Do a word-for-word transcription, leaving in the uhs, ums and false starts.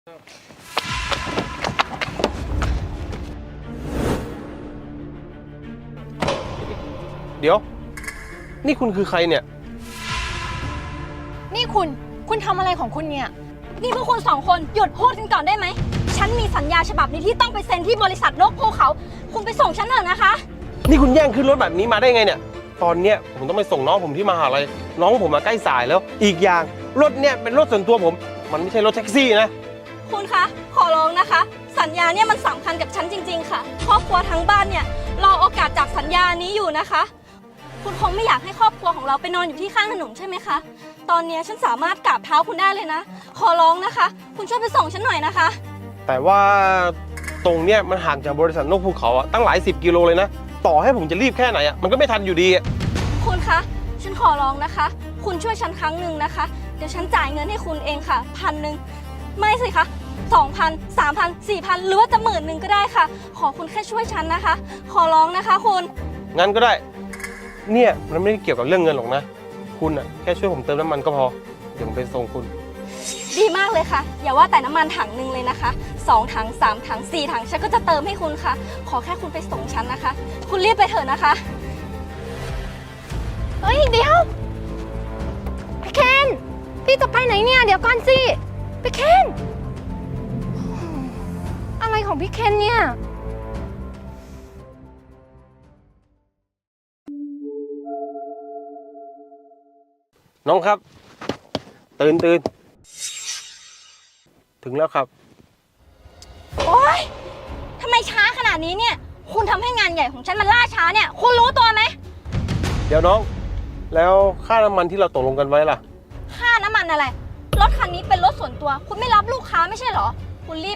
เดี๋ยวนี่คุณคือใครเนี่ยนี่คุณคุณทำอะไรของคุณเนี่ยนี่พวกคุณสองคนหยุดพูดกันก่อนได้ไหมฉันมีสัญญาฉบับนี้ที่ต้องไปเซ็นที่บริษัทนกภูเขาคุณไปส่งฉันเถอะนะคะนี่คุณแย่งขึ้นรถแบบนี้มาได้ไงเนี่ยตอนเนี้ยผมต้องไปส่งน้องผมที่มหาลัยน้องผมมาใกล้สายแล้วอีกอย่างรถเนี่ยเป็นรถส่วนตัวผมมันไม่ใช่รถแท็กซี่นะคุณคะขอร้องนะคะ สัญญาเนี่ยมันสำคัญกับฉันจริงๆค่ะครอบครัวทั้งบ้านเนี่ยรอโอกาสจากสัญญานี้อยู่นะคะคุณคงไม่อยากให้ครอบครัวของเราไปนอนอยู่ที่ข้างถนนใช่ไหมคะตอนนี้ฉันสามารถกราบเท้าคุณได้เลยนะขอร้องนะคะคุณช่วยไปส่งฉันหน่อยนะคะแต่ว่าตรงเนี้ยมันห่างจากบริษัทนกภูเขาอะตั้งหลายสิบกิโลเลยนะต่อให้ผมจะรีบแค่ไหนอะมันก็ไม่ทันอยู่ดีอะคุณคะฉันขอร้องนะคะคุณช่วยฉันครั้งหนึ่งนะคะเดี๋ยวฉันจ่ายเงินให้คุณเองค่ะพันหนึ่งไม่สิคะสองพันสามพันสี่พันหรือว่าจะหมื่นหนึ่งก็ได้ค่ะขอคุณแค่ช่วยฉันนะคะขอร้องนะคะคุณงั้นก็ได้เนี่ยมันไม่ได้เกี่ยวกับเรื่องเงินหรอกนะคุณอะแค่ช่วยผมเติมน้ำมันก็พอเดี๋ยวผมไปส่งคุณดีมากเลยค่ะอย่าว่าแต่น้ำมันถังหนึ่งเลยนะคะสองถังสามถังสี่ถังฉันก็จะเติมให้คุณค่ะขอแค่คุณไปส่งฉันนะคะคุณรีบไปเถอะนะคะเฮ้ยเดี๋ยวพี่เคนพี่จะไปไหนเนี่ยเดี๋ยวก่อนสิพี่เคนอะไรของพี่เคนเนี่ยน้องครับตื่นตื่นถึงแล้วครับโอ๊ยทำไมช้าขนาดนี้เนี่ยคุณทำให้งานใหญ่ของฉันมันล่าช้าเนี่ยคุณรู้ตัวไหมเดี๋ยวน้องแล้วค่าน้ำมันที่เราตกลงกันไว้ล่ะค่าน้ำมันอะไรรถคันนี้เป็นรถส่วนตัวคุณไม่รับลูกค้าไม่ใช่เหรอคุณรีบ